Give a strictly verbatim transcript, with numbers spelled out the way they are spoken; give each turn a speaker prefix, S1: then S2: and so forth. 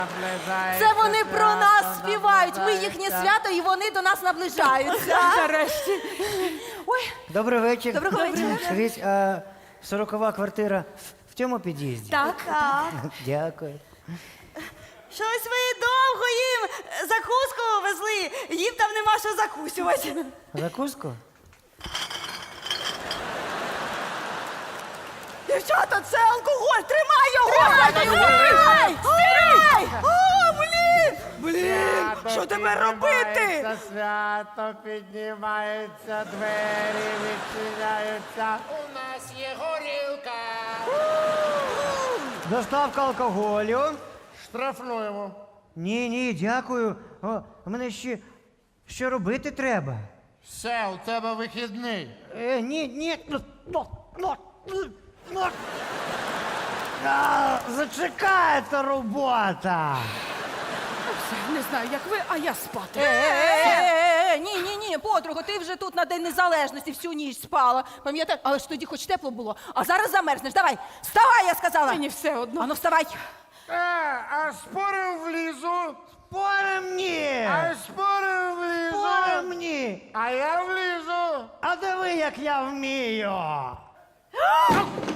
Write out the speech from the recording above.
S1: Це вони про нас співають. Ми їхнє свято, і вони до нас наближаються.
S2: Нарешті.
S1: Ой,
S3: Добрий вечір.
S1: Доброго вечора.
S3: Скажіть, а сорокова квартира в- в цьому під'їзді?
S1: так.
S4: Так.
S3: Дякую.
S4: Щось ви довго їм закуску везли. Їм там нема що закусювати.
S3: Закуску?
S4: Дівчата, це алкоголь! Тримай його!
S1: Тримай!
S4: Тримай! О, блін! Блін! Що тепер робити?
S5: Свято піднімається, двері відчиняються. У нас є горілка.
S3: Доставка алкоголю?
S5: Штрафнуємо.
S3: Ні, ні, дякую. О, а мене ще що робити треба?
S5: Все, у тебе вихідний.
S3: Е, ні, ні. Ну, ну, ну, ну, ну. А, зачекайте робота.
S2: Не знаю, як ви, а я спати.
S1: Е-е-е, ні, ні, ні, подруга, ти вже тут на День Незалежності всю ніч спала. Пам'ятаєш? Але ж тоді хоч тепло було. А зараз замерзнеш. Давай, вставай, я сказала.
S2: Мені все одно.
S1: Ану, вставай.
S5: Е, а спорим влізу.
S3: Спорим ні.
S5: А спорим влізу.
S3: Спорим ні.
S5: А я влізу.
S3: А диви, як я вмію.